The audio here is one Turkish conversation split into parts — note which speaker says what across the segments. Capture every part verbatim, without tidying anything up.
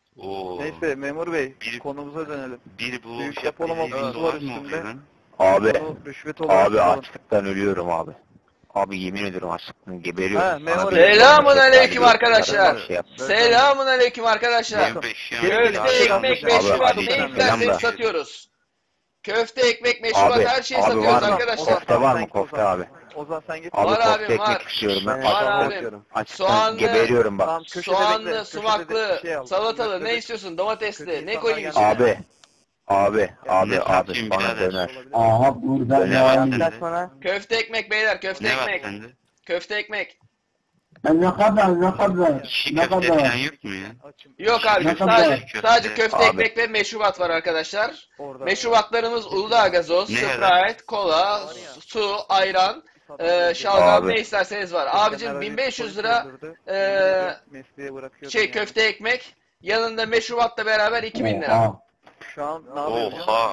Speaker 1: Oo.
Speaker 2: Neyse memur bey,
Speaker 1: Bir-
Speaker 2: konumuza dönelim.
Speaker 1: Bir bu
Speaker 2: Büyük
Speaker 1: şey
Speaker 2: depolama
Speaker 1: evinde
Speaker 2: kutusu var
Speaker 1: var mı
Speaker 2: üstünde.
Speaker 1: lan?
Speaker 3: Abi,
Speaker 2: Bunu rüşvet olarak
Speaker 3: abi
Speaker 2: alalım.
Speaker 3: açlıktan ölüyorum abi. Abi yemin ediyorum açlıktan geberiyorum.
Speaker 2: Ha,
Speaker 3: Bana
Speaker 2: memur
Speaker 3: bir-
Speaker 2: bey.
Speaker 4: Selamun
Speaker 3: bir-
Speaker 4: aleyküm
Speaker 3: bir-
Speaker 4: arkadaşlar.
Speaker 3: bir şey yap.
Speaker 4: Selamun aleyküm arkadaşlar.
Speaker 1: Benim beş yan-
Speaker 2: Gelin,
Speaker 4: Köfte,
Speaker 2: gelin.
Speaker 4: ekmek,
Speaker 2: Abi,
Speaker 4: meşrubat
Speaker 3: Ali,
Speaker 4: ne
Speaker 3: selam
Speaker 4: isterseniz
Speaker 3: da.
Speaker 4: satıyoruz. Köfte, ekmek, meşrubat
Speaker 3: Abi,
Speaker 4: her şeyi
Speaker 3: abi
Speaker 4: satıyoruz
Speaker 3: var mı?
Speaker 4: arkadaşlar.
Speaker 3: Kofte var
Speaker 2: Sen
Speaker 3: mı
Speaker 2: git
Speaker 3: kofte
Speaker 2: Ozan.
Speaker 3: abi?
Speaker 2: Ozan sen git.
Speaker 3: Abi
Speaker 4: Var
Speaker 3: kofte
Speaker 4: abim,
Speaker 3: ekmek
Speaker 4: var.
Speaker 3: istiyorum ben.
Speaker 4: Var
Speaker 3: Açlıktan-
Speaker 4: abim.
Speaker 3: Açlıktan
Speaker 4: Soğanlı,
Speaker 3: geberiyorum bak.
Speaker 2: Tamam, köşede bekle,
Speaker 4: Soğanlı,
Speaker 2: köşede
Speaker 4: sumaklı,
Speaker 2: bir şey al.
Speaker 4: salatalı
Speaker 2: Köşede
Speaker 4: ne
Speaker 2: bir-
Speaker 4: istiyorsun? Domatesli
Speaker 2: köşede
Speaker 4: ne
Speaker 2: insanlar
Speaker 4: koyayım
Speaker 2: geldi.
Speaker 4: içine?
Speaker 3: Abi, abi, abi,
Speaker 1: Ne
Speaker 3: abi
Speaker 1: satayım
Speaker 3: bana
Speaker 1: birader?
Speaker 3: döner.
Speaker 5: Aha burada
Speaker 3: Öyle
Speaker 5: ne
Speaker 3: var
Speaker 5: var?
Speaker 3: sende.
Speaker 4: Köfte, ekmek beyler, köfte,
Speaker 1: Ne var
Speaker 4: ekmek.
Speaker 1: sende?
Speaker 4: Köfte, ekmek.
Speaker 5: Ne kadar ne kadar
Speaker 1: Şişi
Speaker 5: ne
Speaker 1: köfte falan
Speaker 5: kadar?
Speaker 1: yok mu ya?
Speaker 2: Açım.
Speaker 4: Yok abi,
Speaker 5: Ne kadar?
Speaker 4: sadece,
Speaker 1: Köfte.
Speaker 4: sadece köfte,
Speaker 3: Abi.
Speaker 4: ekmek ve meşrubat var arkadaşlar.
Speaker 2: Orada.
Speaker 4: Meşrubatlarımız Uludağ gazoz,
Speaker 1: Ne
Speaker 4: Sprite, kola, su, ayran, e, şalgam
Speaker 3: Abi.
Speaker 4: ne isterseniz var. Abicim bin beş yüz lira eee,
Speaker 2: mesleğe bırakıyordum
Speaker 4: şey
Speaker 2: yani.
Speaker 4: köfte ekmek, yanında meşrubatla beraber iki bin lira.
Speaker 5: Oha.
Speaker 2: Şu an ne yapıyorsun?
Speaker 1: Oha.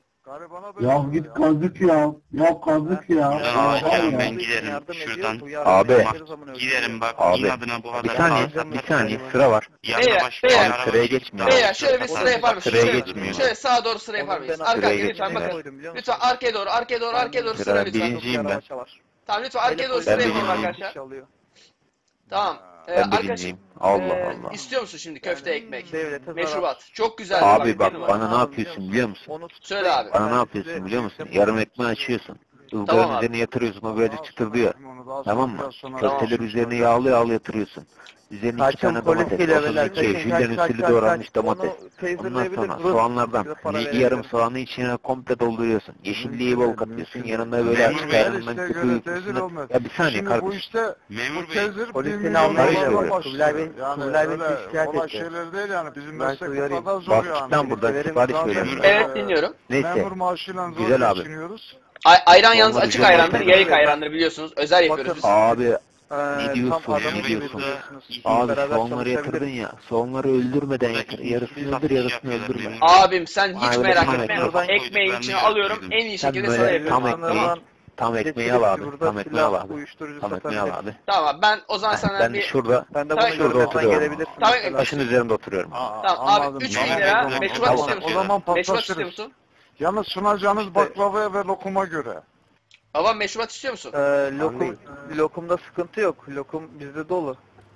Speaker 5: Ya git kazık ya. Ya kazık ya.
Speaker 1: Ulan
Speaker 5: Ya
Speaker 1: ağaç
Speaker 5: var
Speaker 1: ya,
Speaker 5: ya.
Speaker 1: ben giderim
Speaker 2: Yardım
Speaker 1: şuradan.
Speaker 2: ediyor, bu yardım
Speaker 3: Abi.
Speaker 2: edeceğiz zaman öldürüyor.
Speaker 1: Giderim bak
Speaker 3: Abi,
Speaker 1: inadına bu
Speaker 3: Bir
Speaker 1: kadar
Speaker 3: saniye,
Speaker 1: fazla
Speaker 3: bir saniye sıra var.
Speaker 1: Yanına
Speaker 4: Beyler,
Speaker 1: başka
Speaker 4: beyler.
Speaker 1: bir araba
Speaker 3: Sıraya
Speaker 1: çekti.
Speaker 3: geçmiyor.
Speaker 4: Beyler şöyle bir sıra yapar mısınız?
Speaker 3: Sıraya
Speaker 4: Şöyle,
Speaker 3: geçmiyor.
Speaker 4: şöyle sağa doğru sıra yapar
Speaker 2: Oğlum
Speaker 4: mıyız?
Speaker 2: ben
Speaker 4: Arkaya
Speaker 3: sıraya
Speaker 4: lütfen
Speaker 3: geçmiyor.
Speaker 4: bakın.
Speaker 2: koydum, biliyor musun?
Speaker 4: Lütfen arkaya doğru, arkaya doğru, arkaya doğru sıra
Speaker 3: Sıra
Speaker 4: lütfen.
Speaker 3: birinciyim ben.
Speaker 4: Tamam lütfen arkaya doğru sıra
Speaker 3: Ben
Speaker 4: yapalım
Speaker 3: birinciyim.
Speaker 4: arkadaşlar. Tamam. Ee,
Speaker 3: Ben
Speaker 4: arkadaş,
Speaker 3: birinciyim. Allah
Speaker 4: ee,
Speaker 3: Allah.
Speaker 4: istiyor musun şimdi köfte ekmek?
Speaker 2: Devlete zarar.
Speaker 4: Meşrubat. Çok güzel.
Speaker 3: Abi bak
Speaker 4: benim var.
Speaker 3: bana ne yapıyorsun biliyor musun?
Speaker 2: Onu
Speaker 4: Söyle abi.
Speaker 3: Bana ne yapıyorsun biliyor musun? Yarım ekmeği açıyorsun.
Speaker 4: Tamam
Speaker 3: Izgaranın
Speaker 4: abi.
Speaker 3: üzerine yatırıyorsun, o böyle çıtırdıyor. Tamam mı?
Speaker 4: Tamam.
Speaker 3: Köfteler üzerine yağlı yağlı yatırıyorsun. Üzerine iki
Speaker 2: Kaçın
Speaker 3: tane
Speaker 2: polis
Speaker 3: domates,
Speaker 2: geliyor
Speaker 3: otuz
Speaker 2: beyler.
Speaker 3: iki,
Speaker 2: Kaçın,
Speaker 3: jülyen
Speaker 2: kaç, kaç,
Speaker 3: usulü
Speaker 2: kaç,
Speaker 3: doğranmış
Speaker 2: kaç.
Speaker 3: domates.
Speaker 2: Onu
Speaker 3: Ondan
Speaker 2: taserleyebilir,
Speaker 3: sonra
Speaker 2: vurun.
Speaker 3: soğanlardan
Speaker 2: Size para
Speaker 3: bir
Speaker 2: verebilirim.
Speaker 3: yarım soğanı içine komple dolduruyorsun. Yeşilliği bol katıyorsun. Yanında böyle
Speaker 1: Memur
Speaker 3: açık
Speaker 1: bey,
Speaker 3: ayranından
Speaker 6: işte
Speaker 3: köpüğü
Speaker 6: göre tezir
Speaker 3: üstüne.
Speaker 6: olmaz.
Speaker 3: Ya bir saniye
Speaker 6: Şimdi bu
Speaker 3: kardeşim.
Speaker 6: işte
Speaker 1: Memur
Speaker 6: bu
Speaker 1: bey.
Speaker 6: tezir
Speaker 2: Polis
Speaker 6: bir
Speaker 2: seni
Speaker 6: milyon
Speaker 2: almaya
Speaker 3: çalışıyor.
Speaker 6: dolarla
Speaker 2: Kubilay Bey-
Speaker 6: başlıyor. Yani
Speaker 2: Kubilay Bey
Speaker 6: öyle
Speaker 2: şikayet
Speaker 6: kolay
Speaker 2: etti.
Speaker 6: şeyler değil yani. Bizim
Speaker 2: Ben
Speaker 6: meslek
Speaker 2: sizi
Speaker 6: bu
Speaker 2: arayayım.
Speaker 6: kadar zor
Speaker 3: Bak
Speaker 6: yani.
Speaker 3: cidden burada
Speaker 2: Severim,
Speaker 3: sipariş
Speaker 2: zaten-
Speaker 3: veriyorum.
Speaker 4: Evet dinliyorum.
Speaker 3: Neyse.
Speaker 6: Memur maaşıyla zor
Speaker 3: Güzel abi.
Speaker 6: geçiniyoruz.
Speaker 4: Ay, ayran yalnız
Speaker 3: Olmadı,
Speaker 4: açık
Speaker 3: güzel
Speaker 4: ayrandır,
Speaker 3: olmadı.
Speaker 4: yayık ayrandır biliyorsunuz. Özel yapıyoruz biz.
Speaker 3: Abi
Speaker 2: Ee,
Speaker 3: Ne diyorsun,
Speaker 2: tam adamı
Speaker 3: ne diyorsun?
Speaker 2: biliyorsunuz.
Speaker 3: Abi
Speaker 2: Beraber
Speaker 3: soğanları yatırdın
Speaker 2: çalışabiliriz.
Speaker 3: ya. Soğanları öldürmeden
Speaker 1: Buradaki
Speaker 3: yatır. Yarısını
Speaker 1: satış
Speaker 3: öldür yarısını
Speaker 1: yapıyorlar
Speaker 3: öldürme.
Speaker 1: memur.
Speaker 4: Abim sen hiç
Speaker 3: Aynen,
Speaker 4: merak
Speaker 3: tam
Speaker 4: etme.
Speaker 2: ekmek.
Speaker 4: Ekmeğin
Speaker 1: Ben
Speaker 4: içine
Speaker 1: de
Speaker 4: alıyorum.
Speaker 1: yapıyordum.
Speaker 4: En iyi
Speaker 3: Sen
Speaker 4: şekilde sana
Speaker 3: böyle
Speaker 4: yapıyorum.
Speaker 3: tam ekmeği,
Speaker 4: Tamam.
Speaker 3: tam ekmeği
Speaker 2: Getirip
Speaker 3: al abi.
Speaker 2: burada
Speaker 3: Tam ekmeği al
Speaker 2: silah,
Speaker 3: abi.
Speaker 2: uyuşturucu
Speaker 3: Tam ekmeği al
Speaker 2: satabiliriz.
Speaker 3: abi.
Speaker 4: Tamam ben o zaman sana
Speaker 3: Ben
Speaker 4: bir...
Speaker 3: şurada
Speaker 2: Ben de
Speaker 4: Tamam,
Speaker 2: bunu
Speaker 3: şurada
Speaker 2: görmezden
Speaker 3: oturuyorum.
Speaker 2: gelebilirsin.
Speaker 4: Tamam,
Speaker 2: mesela.
Speaker 3: taşın üzerinde oturuyorum.
Speaker 6: Aa,
Speaker 4: Tamam abi
Speaker 6: anladım.
Speaker 4: üç
Speaker 1: Tamam,
Speaker 4: bin lira
Speaker 1: tamam,
Speaker 4: meşrubat
Speaker 1: tamam.
Speaker 4: istiyor musun?
Speaker 6: O zaman
Speaker 4: Meşrubat istiyor
Speaker 6: paslaşırız.
Speaker 4: musun?
Speaker 6: Yalnız sunacağınız baklavaya ve lokuma göre.
Speaker 4: Babam meşrubat istiyor musun?
Speaker 2: Ee, lokum, lokumda sıkıntı yok. Lokum bizde dolu.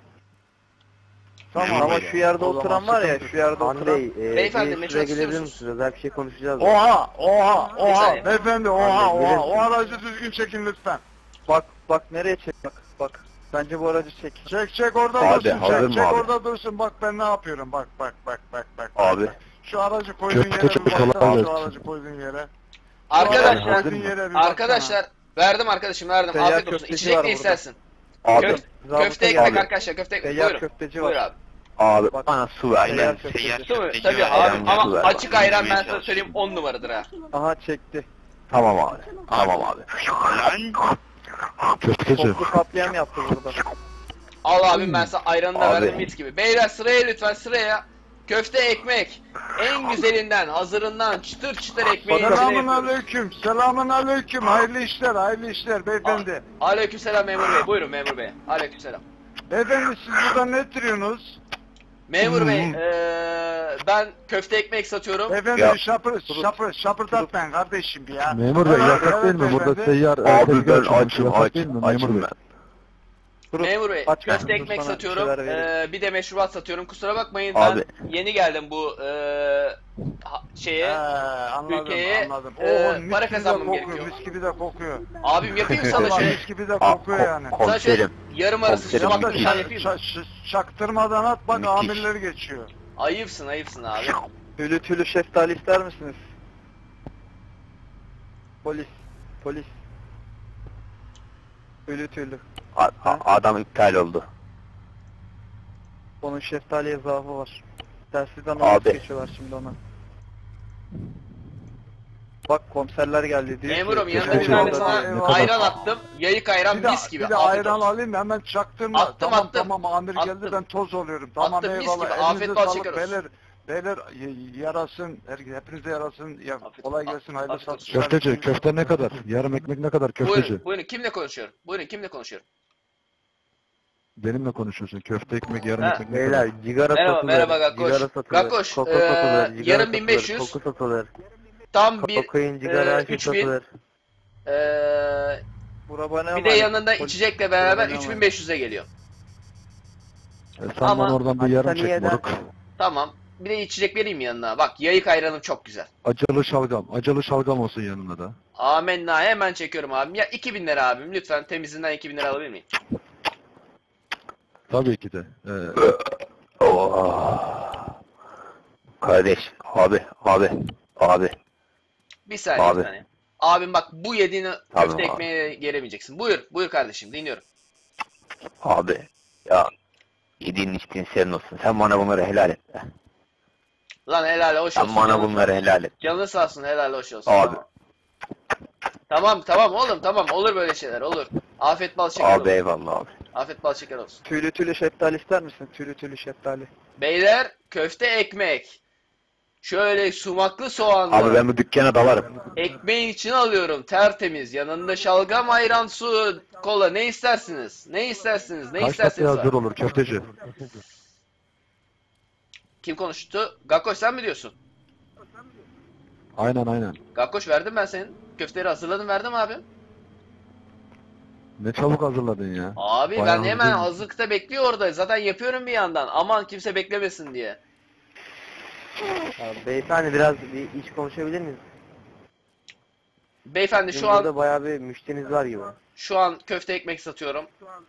Speaker 6: Tamam.
Speaker 2: Ama şu yerde
Speaker 6: O zaman
Speaker 2: oturan var ya,
Speaker 6: sıkıntı
Speaker 2: şu yerde oturan.
Speaker 4: Beyefendi meşrubat istiyor musunuz?
Speaker 2: Özel bir şey konuşacağız.
Speaker 6: Oha, oha,
Speaker 4: Bir
Speaker 6: oha.
Speaker 4: saniye.
Speaker 6: Beyefendi, oha,
Speaker 2: Abi,
Speaker 6: oha.
Speaker 2: gelin.
Speaker 6: O aracı düzgün çekin lütfen.
Speaker 2: Bak, bak nereye çek bak, bak. Bence bu aracı çek.
Speaker 6: Çek, çek orada
Speaker 3: Abi,
Speaker 6: dursun,
Speaker 3: hazır
Speaker 6: çek,
Speaker 3: mı
Speaker 6: çek
Speaker 3: abi?
Speaker 6: orada dursun. Bak ben ne yapıyorum, bak, bak, bak, bak, bak.
Speaker 3: Abi.
Speaker 6: bak. Şu aracı koyduğun
Speaker 3: Köfte
Speaker 6: yere bir
Speaker 3: çok
Speaker 6: baksana,
Speaker 3: kolay
Speaker 6: şu
Speaker 3: gelsin.
Speaker 6: aracı koyduğun yere.
Speaker 4: Arkadaşlar,
Speaker 3: hazır mı?
Speaker 6: Yere bir baksana.
Speaker 4: arkadaşlar verdim arkadaşım verdim.
Speaker 2: Seyyar
Speaker 4: Afiyet olsun.
Speaker 2: köfteci
Speaker 4: İçecek
Speaker 2: var
Speaker 4: ne
Speaker 2: burada.
Speaker 4: istersin?
Speaker 3: Abi,
Speaker 4: Köf-
Speaker 2: Zabıta
Speaker 4: köfte
Speaker 2: geldi.
Speaker 4: ekmek
Speaker 3: Abi.
Speaker 4: arkadaşlar köfte ekmek.
Speaker 2: Seyyar
Speaker 4: Buyurun.
Speaker 2: köfteci
Speaker 4: Buyur
Speaker 2: var.
Speaker 4: abi.
Speaker 3: abi
Speaker 2: Bak.
Speaker 3: bana su ver.
Speaker 1: Aynen
Speaker 2: Seyyar
Speaker 1: seyyar
Speaker 2: köfteci.
Speaker 4: Değil mi?
Speaker 1: köfteci
Speaker 4: Tabii
Speaker 1: var.
Speaker 4: abi
Speaker 3: Ayran
Speaker 4: ama
Speaker 3: ver.
Speaker 4: açık ayran ben
Speaker 1: Yemeye
Speaker 4: sana söyleyeyim on numaradır ha.
Speaker 2: Aha çekti.
Speaker 3: Tamam abi. Tamam abi.
Speaker 1: Lan
Speaker 3: Köfteci.
Speaker 2: Toplu katliam yaptı burada.
Speaker 4: Al abim ben sana ayranını da
Speaker 3: Abi.
Speaker 4: verdim mis gibi. Beyler sıraya lütfen sıraya. Köfte ekmek. En güzelinden, hazırından çıtır çıtır ekmeği içine
Speaker 6: Selamun
Speaker 4: yapıyoruz.
Speaker 6: aleyküm, selamun aleyküm. Hayırlı işler, hayırlı işler beyefendi.
Speaker 4: Aleykümselam memur bey. Buyurun memur bey. Aleykümselam.
Speaker 6: Beyefendi siz burada ne ettiriyorsunuz?
Speaker 4: Memur bey, eee ben köfte ekmek satıyorum.
Speaker 6: Beyefendi
Speaker 3: Ya.
Speaker 6: şapır, şapır, şapırdatmayın kardeşim ya.
Speaker 7: Memur bey
Speaker 6: Evet,
Speaker 7: yasak değil
Speaker 6: evet
Speaker 7: mi? Burada
Speaker 6: beyefendi.
Speaker 7: seyyar e,
Speaker 3: Abi
Speaker 7: tezgah
Speaker 3: ben
Speaker 7: açılmış.
Speaker 3: açım
Speaker 7: Yasak
Speaker 3: aç.
Speaker 7: değil mi memur
Speaker 3: Açım
Speaker 7: bey?
Speaker 3: ben.
Speaker 2: Dur,
Speaker 4: Memur bey,
Speaker 2: aç
Speaker 4: köfte
Speaker 2: mısın?
Speaker 4: ekmek
Speaker 2: Sana bir
Speaker 4: satıyorum.
Speaker 2: şeyler vereyim.
Speaker 4: Eee bir de meşrubat satıyorum. Kusura bakmayın
Speaker 3: Abi.
Speaker 4: ben yeni geldim bu eee ha-
Speaker 6: He,
Speaker 4: şeye.
Speaker 6: anladım,
Speaker 4: ülkeye,
Speaker 6: anladım.
Speaker 4: e,
Speaker 6: Oo, mis
Speaker 4: para
Speaker 6: gibi de
Speaker 4: kazanmam
Speaker 6: kokuyor,
Speaker 4: gerekiyor.
Speaker 6: mis gibi de kokuyor.
Speaker 4: Abim yapayım sana
Speaker 6: Vallahi
Speaker 4: şey.
Speaker 6: mis gibi de
Speaker 3: Aa,
Speaker 6: kokuyor
Speaker 3: ko-
Speaker 6: yani.
Speaker 4: Sana şöyle
Speaker 3: Komiserim.
Speaker 4: yarım arası
Speaker 3: Komiserim,
Speaker 4: sumaklı
Speaker 6: Yanda
Speaker 4: bir tane yapayım mı?
Speaker 6: ça- ça- çaktırmadan at bak
Speaker 3: Müthiş.
Speaker 6: amirler geçiyor.
Speaker 4: Ayıpsın ayıpsın abi.
Speaker 2: Tülü tülü şeftali ister misiniz? Polis. Polis. Tülü tülü.
Speaker 3: A- a- adam iptal oldu.
Speaker 2: Onun şeftaliye zaafı var. Tersizden
Speaker 3: Abi.
Speaker 2: alıp geçiyorlar şimdi ona. Bak komiserler geldi diyor
Speaker 4: Memurum
Speaker 2: ki,
Speaker 4: yanında bir
Speaker 2: köfteci
Speaker 4: tane
Speaker 2: orada
Speaker 4: sana
Speaker 2: diyor.
Speaker 6: eyvallah.
Speaker 4: ayran attım. Yayık ayran
Speaker 6: Bir de,
Speaker 4: mis gibi.
Speaker 6: bir de
Speaker 4: Afiyet
Speaker 6: ayran
Speaker 4: olsun.
Speaker 6: alayım hemen çaktırma.
Speaker 4: Attım,
Speaker 6: tamam
Speaker 4: attım.
Speaker 6: tamam amir
Speaker 4: Attım.
Speaker 6: geldi ben toz oluyorum. Tamam
Speaker 4: Attım, mis
Speaker 6: eyvallah.
Speaker 4: gibi.
Speaker 6: Elinize
Speaker 4: Afiyet bal
Speaker 6: sağlık
Speaker 4: şeker olsun.
Speaker 6: beyler. Beyler y- yarasın. her- Hepinize yarasın. Ya,
Speaker 4: Afiyet-
Speaker 6: kolay gelsin. Hayırlı
Speaker 4: afiyet olsun.
Speaker 6: satışlar.
Speaker 7: Köfteci, köfte ne kadar? Yarım ekmek ne kadar köfteci?
Speaker 4: Buyurun, buyurun kimle konuşuyorum? Buyurun kimle konuşuyorum?
Speaker 6: Benimle konuşuyorsun. Köfte ekmek, yarım
Speaker 4: Ha.
Speaker 6: ekmek. ne
Speaker 2: Beyler
Speaker 6: kadar?
Speaker 2: cigara
Speaker 4: Merhaba,
Speaker 2: satılır.
Speaker 4: merhaba Gakkoş.
Speaker 2: Cigara satılır.
Speaker 4: Gakkoş,
Speaker 2: Koku
Speaker 4: eee,
Speaker 2: satılır. Cigara
Speaker 4: yarın bin beş yüz.
Speaker 2: satılır, Koku satılır.
Speaker 4: Tam bir
Speaker 2: Kokain, sigara,
Speaker 4: e,
Speaker 2: her şey
Speaker 4: üç bin.
Speaker 2: satılır.
Speaker 4: Eee
Speaker 2: Burabana
Speaker 4: bir de yanında içecekle beraber
Speaker 2: Burabana
Speaker 4: üç bin beş yüze geliyor.
Speaker 6: E, sen
Speaker 4: Ama-
Speaker 6: bana oradan bir yarım çek
Speaker 2: Hastaniyeden-
Speaker 6: moruk.
Speaker 4: Tamam. Bir de içecek vereyim mi yanına? Bak yayık ayranım çok güzel.
Speaker 6: Acılı şalgam. Acılı şalgam olsun yanına da.
Speaker 4: Amenna, hemen çekiyorum abim. Ya iki bin lira abim, lütfen temizinden iki bin lira alabilir miyim?
Speaker 6: Tabii ki de. Ee,
Speaker 3: Oh. Kardeş, abi, abi, abi.
Speaker 4: Bir saniye,
Speaker 3: Abi.
Speaker 4: bir saniye. Abim bak, bu yediğini
Speaker 3: Tamam
Speaker 4: köfte
Speaker 3: abi.
Speaker 4: ekmeğe gelemeyeceksin. Buyur, buyur kardeşim, dinliyorum.
Speaker 3: Abi, ya yediğin içtiğin senin olsun. Sen bana bunları helal et. be.
Speaker 4: Lan helal hoş
Speaker 3: Sen
Speaker 4: olsun.
Speaker 3: bana
Speaker 4: Canın,
Speaker 3: bunları helal et.
Speaker 4: canın sağ olsun, helal hoş olsun.
Speaker 3: Abi.
Speaker 4: Tamam, tamam oğlum, tamam. Olur böyle şeyler, olur. Afiyet bal şeker
Speaker 3: Abi
Speaker 4: olsun.
Speaker 3: eyvallah abi.
Speaker 4: Afiyet bal şeker olsun.
Speaker 2: Tüylü tüylü şeftali ister misin? Tüylü tüylü şeftali.
Speaker 4: Beyler, köfte ekmek. Şöyle sumaklı soğanlı.
Speaker 3: Abi ben bu dükkana dalarım.
Speaker 4: Ekmeğin içine alıyorum, tertemiz. Yanında şalgam, ayran, su, kola. Ne istersiniz? Ne istersiniz? Ne
Speaker 6: kaç dakika
Speaker 4: isterseniz var.
Speaker 6: hazır olur köfteci?
Speaker 4: Kim konuştu? Gakkoş sen mi diyorsun?
Speaker 6: Aynen aynen.
Speaker 4: Gakkoş verdim ben senin. Köfteleri hazırladım, verdim abi.
Speaker 6: Ne çabuk hazırladın ya.
Speaker 4: Abi
Speaker 6: Bayağı
Speaker 4: ben hemen
Speaker 6: hızlıyım.
Speaker 4: hazırlıkta bekliyor orada. Zaten yapıyorum bir yandan. Aman kimse beklemesin diye.
Speaker 2: Ya, beyefendi biraz bir iş konuşabilir miyiz?
Speaker 4: Beyefendi
Speaker 2: Bizim
Speaker 4: şu an
Speaker 2: burada bayağı bir müşteriniz var gibi.
Speaker 4: şu an köfte ekmek satıyorum.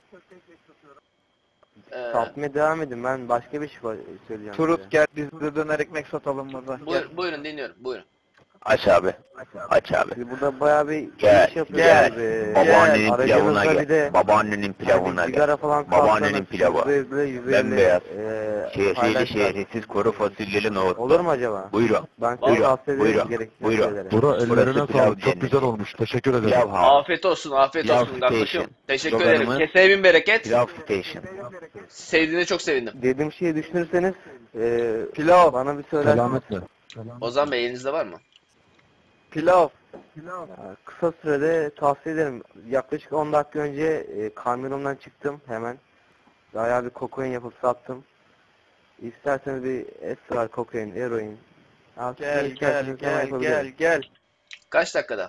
Speaker 4: Ee,
Speaker 2: Satmaya devam edin, ben başka bir şey söyleyeceğim.
Speaker 1: Turut gel biz de döner ekmek satalım burada. Gel.
Speaker 4: buyur, buyurun dinliyorum. Buyurun.
Speaker 3: Aç abi. Aç abi.
Speaker 2: Siz burada bayağı bir
Speaker 3: Gel,
Speaker 2: iş yapıyorsunuz.
Speaker 3: gel.
Speaker 2: Ee,
Speaker 3: Babaannenin
Speaker 2: aracınızda
Speaker 3: pilavına
Speaker 2: bir
Speaker 3: gel.
Speaker 2: de
Speaker 3: Babaannenin pilavına
Speaker 2: hani
Speaker 3: gel.
Speaker 2: sigara falan
Speaker 3: Babaannenin
Speaker 2: kalsanız,
Speaker 3: pilavı.
Speaker 2: yüzde yüzde, yüzde
Speaker 3: Bembeyaz.
Speaker 2: elli, e,
Speaker 3: Şehriyeli
Speaker 2: paylaşlar.
Speaker 3: şehrisiz kuru fasulyeli nohut.
Speaker 2: Olur mu acaba?
Speaker 3: Buyurun.
Speaker 2: Ben size
Speaker 3: Buyurun,
Speaker 2: tavsiye ederim
Speaker 3: buyurun,
Speaker 2: gerekli
Speaker 3: buyurun.
Speaker 2: şeyleri.
Speaker 6: Bura
Speaker 3: Burası
Speaker 6: ellerine
Speaker 3: pilav
Speaker 6: sağlık. Çok
Speaker 3: cenneti.
Speaker 6: güzel olmuş. Teşekkür ederim.
Speaker 3: Pilav house.
Speaker 4: Afiyet olsun, afiyet
Speaker 3: Pilav
Speaker 4: olsun Gakkoş'um.
Speaker 3: station.
Speaker 4: Teşekkür
Speaker 3: Sloganımız-
Speaker 4: ederim. Keseye bin bereket.
Speaker 3: Pilav station.
Speaker 4: Sevdiğine çok sevindim.
Speaker 2: Dediğim şeyi düşünürseniz e,
Speaker 1: Pilav.
Speaker 2: bana bir söyler.
Speaker 6: Selametle.
Speaker 4: Ozan Bey elinizde var mı?
Speaker 1: Pilav.
Speaker 2: Ya, Kısa sürede tavsiye ederim. Yaklaşık on dakika önce e, kamyonumdan çıktım hemen. Bayağı bir kokain yapıp sattım. İsterseniz bir esrar, kokain, eroin. Artık ne
Speaker 1: Gel gel
Speaker 2: isterseniz hemen
Speaker 1: gel
Speaker 2: yapabilirim.
Speaker 1: gel gel.
Speaker 4: Kaç dakikada?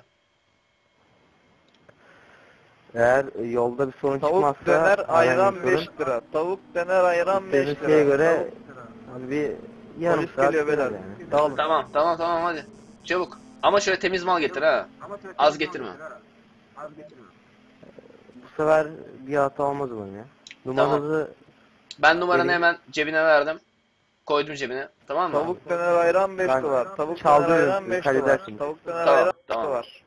Speaker 2: Eğer e, yolda bir sorun
Speaker 1: Tavuk
Speaker 2: çıkmazsa
Speaker 1: döner
Speaker 2: herhangi
Speaker 1: ayran
Speaker 2: bir sorun,
Speaker 1: beş lira. Tavuk döner ayran beş
Speaker 2: istediğiniz
Speaker 1: lira.
Speaker 2: şeye göre
Speaker 1: Tavuk-
Speaker 2: hani bir yarım
Speaker 1: Polis
Speaker 2: saat
Speaker 1: geliyor
Speaker 2: sürer
Speaker 1: beyler.
Speaker 2: yani.
Speaker 1: Dağılın.
Speaker 4: Tamam, tamam, tamam hadi. Çabuk. Ama şöyle temiz mal getir ha. Az getirme.
Speaker 2: Bu sefer bir hata olmaz umarım ya. Numaranızı
Speaker 4: Ben numaranı
Speaker 2: Benim-
Speaker 4: hemen cebine verdim. Koydum cebine. Tamam mı?
Speaker 1: Tavuk döner ayran beş
Speaker 2: Ben
Speaker 1: dolar. Tavuk
Speaker 2: çaldım,
Speaker 1: döner ayran beş dolar.
Speaker 2: halledersiniz.
Speaker 1: Tavuk döner
Speaker 4: Tamam,
Speaker 1: ayran beş
Speaker 4: tamam.
Speaker 1: dolar.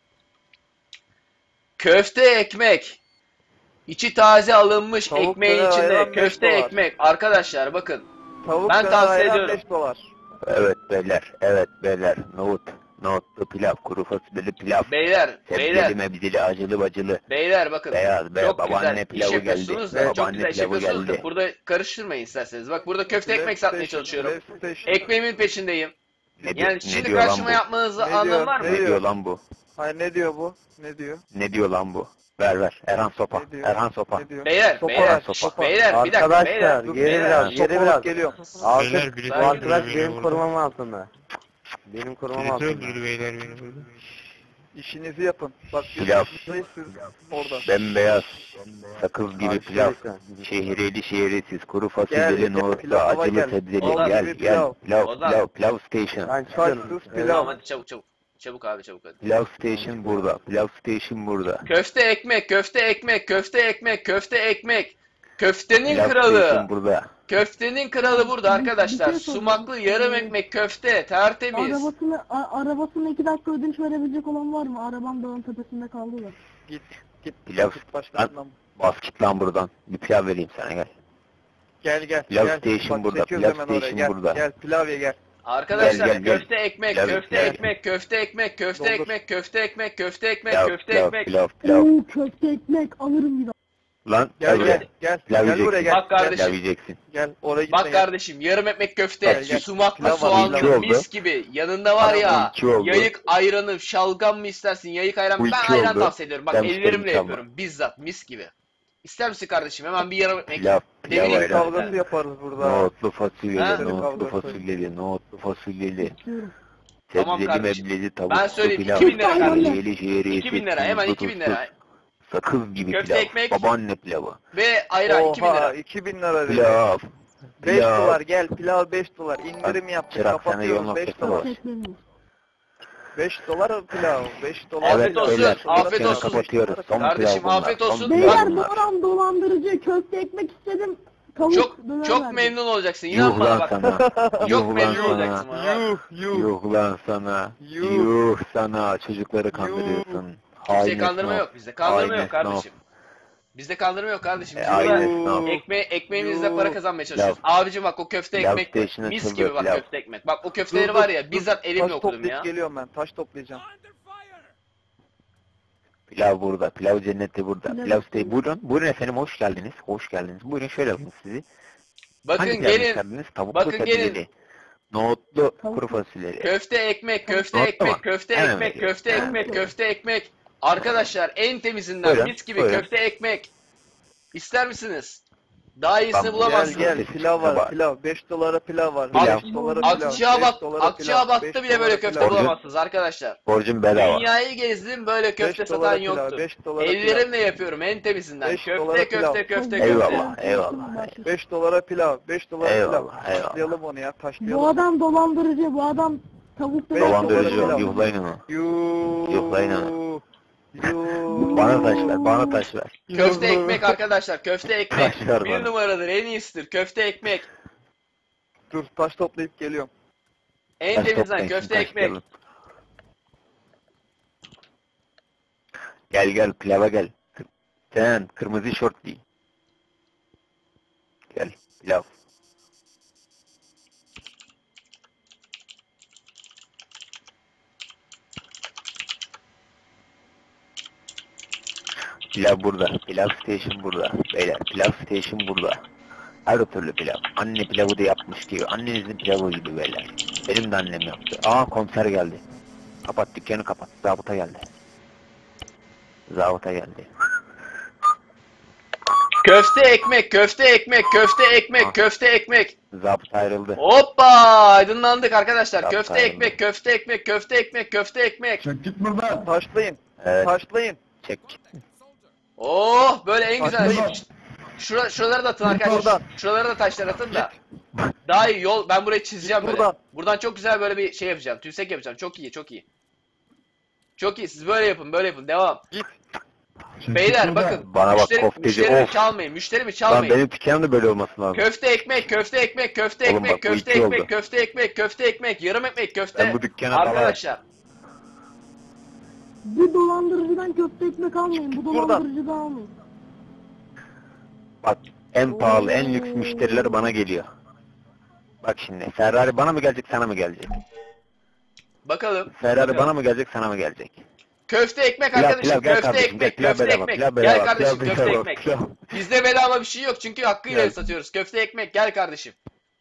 Speaker 4: Köfte ekmek. İçi taze alınmış
Speaker 1: Tavuk
Speaker 4: ekmeğin
Speaker 1: döner
Speaker 4: içinde
Speaker 1: ayran beş
Speaker 4: köfte
Speaker 1: dolar.
Speaker 4: ekmek. Arkadaşlar bakın.
Speaker 1: Tavuk
Speaker 4: Ben
Speaker 1: döner
Speaker 4: tavsiye
Speaker 1: ayran
Speaker 4: ediyorum.
Speaker 1: beş dolar.
Speaker 3: Evet beyler. Evet beyler. Nohut. Nohutlu pilav. Kuru fasulyeli pilav.
Speaker 4: Beyler, beyler,
Speaker 3: Sebzeli mebzeli acılı bacılı.
Speaker 4: beyler bakın.
Speaker 3: Beyaz be.
Speaker 4: Çok
Speaker 3: Babaanne
Speaker 4: güzel iş
Speaker 3: pilavı geldi.
Speaker 4: yapıyorsunuz da çok
Speaker 3: Babaanne
Speaker 4: güzel iş
Speaker 3: pilavı
Speaker 4: yapıyorsunuz da
Speaker 3: geldi.
Speaker 4: burada karıştırmayın isterseniz. Bak burada köfte ekmek
Speaker 1: Left
Speaker 4: satmaya
Speaker 1: station,
Speaker 4: çalışıyorum.
Speaker 1: left station.
Speaker 4: Ekmeğimin peşindeyim.
Speaker 3: Ne diyor,
Speaker 4: Yani
Speaker 3: ne
Speaker 4: şimdi
Speaker 3: diyor lan
Speaker 4: karşıma
Speaker 3: bu?
Speaker 4: yapmanızı
Speaker 1: Ne
Speaker 4: anlamı
Speaker 1: diyor,
Speaker 4: var mı?
Speaker 1: ne
Speaker 3: Ne diyor lan bu?
Speaker 1: Hayır ne diyor bu? Ne diyor?
Speaker 3: Ne diyor lan bu? Ver ver. Erhan sopa.
Speaker 1: Ne diyor?
Speaker 3: Erhan sopa.
Speaker 1: Ne diyor?
Speaker 4: Beyler,
Speaker 1: Sopa
Speaker 4: beyler,
Speaker 1: ver, sopa.
Speaker 4: beyler, bir dakika,
Speaker 2: Arkadaşlar,
Speaker 4: beyler.
Speaker 1: Dur,
Speaker 2: geri
Speaker 1: beyler,
Speaker 2: biraz,
Speaker 1: sopa
Speaker 2: geri
Speaker 1: alıp
Speaker 2: biraz.
Speaker 1: geliyorum.
Speaker 2: Artık
Speaker 7: Beyler, birisi
Speaker 2: bu
Speaker 4: öldürdü
Speaker 2: arkadaş
Speaker 7: beni
Speaker 2: benim
Speaker 7: burada.
Speaker 2: korumam altında. Benim korumam
Speaker 7: Birisi
Speaker 2: altında.
Speaker 7: öldürdü beyler beni burada.
Speaker 1: İşinizi yapın. Bak biz
Speaker 3: Pilav.
Speaker 1: buradayız, siz orada.
Speaker 3: Bembeyaz. Sakız gibi
Speaker 2: Abi,
Speaker 3: pilav.
Speaker 2: lütfen.
Speaker 3: Şehriyeli şehriyesiz. Kuru
Speaker 1: Gel,
Speaker 3: fasulyeli
Speaker 1: gel,
Speaker 3: nohutlu.
Speaker 1: pilava
Speaker 3: Acılı
Speaker 1: gel.
Speaker 3: sebzeli.
Speaker 4: Ozan
Speaker 3: Gel
Speaker 1: gibi
Speaker 3: gel.
Speaker 1: pilav.
Speaker 3: Pilav
Speaker 4: Ozan.
Speaker 3: pilav. Pilav station.
Speaker 2: Ben çıkıyorum.
Speaker 1: Saçsız
Speaker 2: Evet.
Speaker 1: pilav.
Speaker 4: Tamam hadi çabuk çabuk. Çabuk abi çabuk hadi.
Speaker 3: Pilav station burada. Pilav station burada.
Speaker 4: Köfte ekmek, köfte ekmek, köfte ekmek, köfte ekmek. Köftenin
Speaker 3: Pilav
Speaker 4: kralı.
Speaker 3: station burada.
Speaker 4: Köftenin kralı burada arkadaşlar.
Speaker 8: Bir şey soracağım.
Speaker 4: Sumaklı yarım ekmek köfte, tertemiz.
Speaker 8: Arabasını, a- arabasını iki dakika ödünç verebilecek olan var mı? Arabam dağın tepesinde kaldı da.
Speaker 1: Git git.
Speaker 3: Pilav.
Speaker 1: Git başkasından.
Speaker 3: Bas git lan buradan. Bir pilav vereyim sana gel.
Speaker 1: Gel gel.
Speaker 3: Pilav
Speaker 1: gel.
Speaker 3: station
Speaker 1: Bak,
Speaker 3: burada,
Speaker 1: çekiyoruz
Speaker 3: pilav
Speaker 1: hemen oraya.
Speaker 3: station
Speaker 1: Gel,
Speaker 3: burada.
Speaker 1: Gel pilav ye gel.
Speaker 4: Arkadaşlar
Speaker 3: Gel, gel, gel.
Speaker 4: köfte ekmek,
Speaker 3: Pilav,
Speaker 4: köfte
Speaker 3: pilav.
Speaker 4: ekmek, köfte ekmek, köfte
Speaker 1: Doldur.
Speaker 4: ekmek, köfte ekmek, köfte ekmek,
Speaker 3: Pilav
Speaker 4: köfte
Speaker 3: pilav
Speaker 4: ekmek.
Speaker 3: pilav pilav.
Speaker 8: Oo köfte ekmek alırım bir daha.
Speaker 3: Lan
Speaker 1: Gel
Speaker 3: gel
Speaker 1: gel
Speaker 3: buraya.
Speaker 1: gel.
Speaker 3: Pilav
Speaker 1: Gel buraya
Speaker 3: yiyeceksin.
Speaker 1: gel.
Speaker 4: Bak kardeşim.
Speaker 3: Pilav yiyeceksin.
Speaker 1: Gel oraya gitme
Speaker 4: Bak
Speaker 1: gel.
Speaker 4: kardeşim yarım ekmek köfte,
Speaker 1: Gel, gel.
Speaker 4: sumaklı
Speaker 1: Pilav var,
Speaker 4: soğanlı
Speaker 3: pilav.
Speaker 4: mis gibi. Yanında var
Speaker 3: Tamam,
Speaker 4: ya
Speaker 3: iki oldu.
Speaker 4: yayık ayranı, şalgam mı istersin? Yayık ayran.
Speaker 3: Bu
Speaker 4: Ben
Speaker 3: iki
Speaker 4: ayran
Speaker 3: oldu.
Speaker 4: tavsiye ediyorum. Bak
Speaker 3: Ben
Speaker 4: ellerimle
Speaker 3: isterim,
Speaker 4: yapıyorum bizzat mis gibi. İster misin kardeşim? Hemen bir yarım ekmek.
Speaker 3: Pilav, pilav
Speaker 4: Demin
Speaker 3: ayran.
Speaker 1: Kavgası yaparız burada.
Speaker 3: Nohutlu
Speaker 4: Ha?
Speaker 3: fasulyeli, nohutlu
Speaker 1: Kavgası.
Speaker 3: fasulyeli, nohutlu fasulyeli.
Speaker 8: İstiyorum.
Speaker 4: Tamam
Speaker 3: Sebzeli
Speaker 4: kardeşim.
Speaker 3: mebleli tavuklu
Speaker 4: Ben söyleyeyim,
Speaker 3: pilav.
Speaker 4: iki bin lira
Speaker 8: kardeşim.
Speaker 3: Şehriyeli, şehriyesi,
Speaker 4: iki bin lira, hemen
Speaker 3: tuzlu,
Speaker 4: iki bin
Speaker 3: tuzsuz.
Speaker 4: lira.
Speaker 3: Sakız gibi
Speaker 4: Köfte
Speaker 3: pilav.
Speaker 4: ekmek.
Speaker 3: Babaanne pilavı.
Speaker 4: Ve ayran iki bin
Speaker 1: Oha
Speaker 4: lira.
Speaker 1: iki bin lira dedi.
Speaker 3: Pilav.
Speaker 1: beş
Speaker 3: Pilav.
Speaker 1: dolar gel pilav beş dolar indirim yaptık
Speaker 3: Çırak, sana
Speaker 1: kapatıyoruz
Speaker 3: yol
Speaker 1: beş
Speaker 3: noktası
Speaker 1: dolar.
Speaker 3: var.
Speaker 8: Çekmemiz.
Speaker 1: beş dolar pilav beş dolar.
Speaker 4: Afiyet
Speaker 3: Evet
Speaker 4: olsun,
Speaker 3: beyler,
Speaker 4: afiyet
Speaker 3: dükkanı
Speaker 4: olsun.
Speaker 3: kapatıyoruz. Son
Speaker 4: Kardeşim,
Speaker 3: pilav bunlar,
Speaker 4: afiyet
Speaker 3: son
Speaker 4: olsun.
Speaker 3: pilav
Speaker 8: Beyler
Speaker 3: bunlar.
Speaker 8: doğran dolandırıcı köfte ekmek istedim. Tavuk
Speaker 4: Çok
Speaker 8: döner
Speaker 4: çok
Speaker 8: verdi.
Speaker 4: memnun olacaksın. İnan
Speaker 3: Yuh
Speaker 4: bana
Speaker 3: lan
Speaker 4: bak.
Speaker 3: sana.
Speaker 4: Çok
Speaker 3: Yuh lan
Speaker 4: memnun
Speaker 3: sana.
Speaker 4: olacaksın bana. bak.
Speaker 1: Yuh yuh.
Speaker 3: Yuh lan sana.
Speaker 1: Yuh.
Speaker 3: Yuh sana. Çocukları kandırıyorsun. Hain
Speaker 4: Bizde kandırma
Speaker 3: esnaf.
Speaker 4: yok bizde. Kandırma
Speaker 3: Hain
Speaker 4: yok kardeşim. Bizde kandırma yok kardeşim. Biz
Speaker 3: E, hain
Speaker 4: burada
Speaker 3: esnaf.
Speaker 4: ekme ekmeğimizle
Speaker 1: Yuh.
Speaker 4: para kazanmaya çalışıyoruz. Abicim bak o köfte
Speaker 3: Pilav
Speaker 4: ekmek var.
Speaker 3: station'a
Speaker 4: Mis
Speaker 3: açıldı,
Speaker 4: gibi bak
Speaker 3: pilav.
Speaker 4: köfte ekmek. Bak o
Speaker 1: Dur,
Speaker 4: köfteleri
Speaker 1: dur,
Speaker 4: var ya
Speaker 1: dur.
Speaker 4: bizzat elimle
Speaker 1: Taş
Speaker 4: okudum
Speaker 1: toplayıp
Speaker 4: ya.
Speaker 1: geliyorum ben taş toplayacağım.
Speaker 3: Pilav burada. Pilav cenneti burada.
Speaker 8: Pilav
Speaker 3: Pilav
Speaker 8: cenneti.
Speaker 3: siteyi. Buyurun. Buyurun efendim hoş geldiniz. Hoş geldiniz. Buyurun şöyle alayım sizi.
Speaker 4: Bakın
Speaker 3: Hangi pilav
Speaker 4: gelin.
Speaker 3: isterdiniz? Tavuklu
Speaker 4: bakın
Speaker 3: sebzeli.
Speaker 4: gelin.
Speaker 3: Nohutlu
Speaker 8: Tavuk.
Speaker 3: kuru fasulyeli.
Speaker 4: Köfte ekmek, köfte
Speaker 3: Nokta
Speaker 4: ekmek,
Speaker 3: mı?
Speaker 4: köfte
Speaker 3: Hemen
Speaker 4: ekmek,
Speaker 3: veriyorum.
Speaker 4: köfte
Speaker 3: Hemen
Speaker 4: ekmek,
Speaker 8: veriyorum.
Speaker 4: köfte ekmek. Arkadaşlar en temizinden
Speaker 3: Buyurun,
Speaker 4: mis gibi
Speaker 3: buyurun.
Speaker 4: köfte ekmek. İster misiniz? Daha iyisini
Speaker 3: Tamam,
Speaker 1: Gel
Speaker 4: bulamazsınız.
Speaker 1: gel pilav var
Speaker 3: Var.
Speaker 1: pilav beş dolara pilav var.
Speaker 3: Pilav.
Speaker 1: beş dolara pilav.
Speaker 4: Akçaabat,
Speaker 1: beş dolara pilav,
Speaker 4: Akçaabat'ta
Speaker 1: beş
Speaker 4: bile böyle
Speaker 1: dolara
Speaker 4: köfte
Speaker 1: pilav.
Speaker 3: Borcu-
Speaker 4: bulamazsınız arkadaşlar.
Speaker 3: Borcum bedava.
Speaker 4: Dünyayı gezdim böyle köfte
Speaker 1: beş dolara
Speaker 4: satan
Speaker 1: pilav,
Speaker 4: yoktur.
Speaker 1: beş dolara pilav.
Speaker 4: Ellerimle yapıyorum en temizinden.
Speaker 1: beş
Speaker 4: Köfte,
Speaker 1: dolara
Speaker 4: köfte,
Speaker 1: pilav.
Speaker 4: köfte, köfte,
Speaker 3: Eyvallah.
Speaker 4: köfte.
Speaker 3: eyvallah.
Speaker 1: beş dolara pilav, beş dolara
Speaker 3: Eyvallah,
Speaker 1: pilav.
Speaker 3: eyvallah.
Speaker 1: Taşlayalım onu ya, taşlayalım.
Speaker 8: Bu adam dolandırıcı. Bu adam tavuk döner.
Speaker 3: Dolandırıcı
Speaker 1: dolara
Speaker 3: ol.
Speaker 1: pilav.
Speaker 3: Yuhlayın onu.
Speaker 1: Yuuu.
Speaker 3: Yuhlayın onu.
Speaker 1: Yuuu.
Speaker 3: Bana taş ver. Bana taş ver.
Speaker 4: Köfte ekmek arkadaşlar, köfte ekmek.
Speaker 3: Taş ver
Speaker 4: Bir
Speaker 3: bana.
Speaker 4: numaradır, en iyisidir. Köfte ekmek.
Speaker 1: Dur taş toplayıp geliyorum.
Speaker 4: En
Speaker 3: Taş
Speaker 4: temizden
Speaker 3: toplayın,
Speaker 4: köfte
Speaker 3: taş
Speaker 4: ekmek.
Speaker 3: gelin. Gel gel pilava gel. Sen kırmızı şort giy. Gel pilav. Pilav burada. Pilav station burada. Beyler pilav station burada. Her türlü pilav. Anne pilavı da yapmış gibi. Annenizin pilavı gibi beyler. Benim de annem yaptı. Aa komiser geldi. Kapat dükkanı kapat. Zabıta geldi. Zabıta geldi.
Speaker 4: Köfte ekmek, köfte ekmek, köfte ekmek,
Speaker 3: Ah.
Speaker 4: köfte ekmek.
Speaker 3: Zabıta ayrıldı.
Speaker 4: Hoppa! Aydınlandık arkadaşlar.
Speaker 3: Yapma
Speaker 4: Köfte
Speaker 3: ayrıldı.
Speaker 4: ekmek, köfte ekmek, köfte ekmek, köfte ekmek.
Speaker 5: Çek git buradan.
Speaker 1: Taşlayın.
Speaker 3: Evet.
Speaker 1: Taşlayın.
Speaker 3: Çek.
Speaker 4: Oh böyle en güzel.
Speaker 1: Taşlayın.
Speaker 4: Şura, şuraları da atın
Speaker 1: Git
Speaker 4: arkadaşlar.
Speaker 1: buradan.
Speaker 4: Şuraları da taşlar atın da. Daha iyi yol. Ben burayı çizeceğim
Speaker 1: Git
Speaker 4: böyle.
Speaker 1: buradan.
Speaker 4: Buradan çok güzel böyle bir şey yapacağım. Tümsek yapacağım. Çok iyi, çok iyi. Çok iyi. Siz böyle yapın, böyle yapın. Devam.
Speaker 1: Git.
Speaker 5: Çek git
Speaker 4: Beyler
Speaker 5: buradan.
Speaker 4: bakın.
Speaker 3: Bana bak,
Speaker 4: müşteri,
Speaker 3: kofteci,
Speaker 4: müşterimi
Speaker 3: of.
Speaker 4: çalmayın. Müşterimi
Speaker 3: Lan
Speaker 4: çalmayın.
Speaker 3: benim dükkanım da böyle olması lazım.
Speaker 4: Köfte ekmek, köfte ekmek, köfte
Speaker 3: Oğlum
Speaker 4: ekmek,
Speaker 3: bak, bu
Speaker 4: köfte
Speaker 3: iki
Speaker 4: ekmek,
Speaker 3: oldu.
Speaker 4: köfte ekmek, köfte ekmek, yarım ekmek, köfte.
Speaker 3: Ben bu dükkana dalarım.
Speaker 4: Arkadaşlar.
Speaker 8: Bu dolandırıcıdan köfte ekmek almayın. Bu
Speaker 1: Buradan.
Speaker 8: dolandırıcıdan almayın.
Speaker 3: Bak en pahalı, en lüks müşteriler bana geliyor. Bak şimdi Ferrari bana mı gelecek, sana mı gelecek?
Speaker 4: Bakalım.
Speaker 3: Ferrari
Speaker 4: bakalım.
Speaker 3: bana mı gelecek, sana mı gelecek?
Speaker 4: Köfte ekmek
Speaker 3: Pilav,
Speaker 4: arkadaşım.
Speaker 3: pilav, gel
Speaker 4: Köfte
Speaker 3: kardeşim, gel,
Speaker 4: ekmek,
Speaker 3: pilav
Speaker 4: köfte
Speaker 3: bedava,
Speaker 4: ekmek.
Speaker 3: pilav
Speaker 4: Gel
Speaker 3: bedava,
Speaker 4: kardeşim
Speaker 3: pilav
Speaker 4: köfte
Speaker 3: bedava,
Speaker 4: ekmek.
Speaker 3: pilav.
Speaker 4: Bizde bedava bir şey yok çünkü hakkıyla
Speaker 3: Gel.
Speaker 4: satıyoruz. Köfte ekmek gel kardeşim.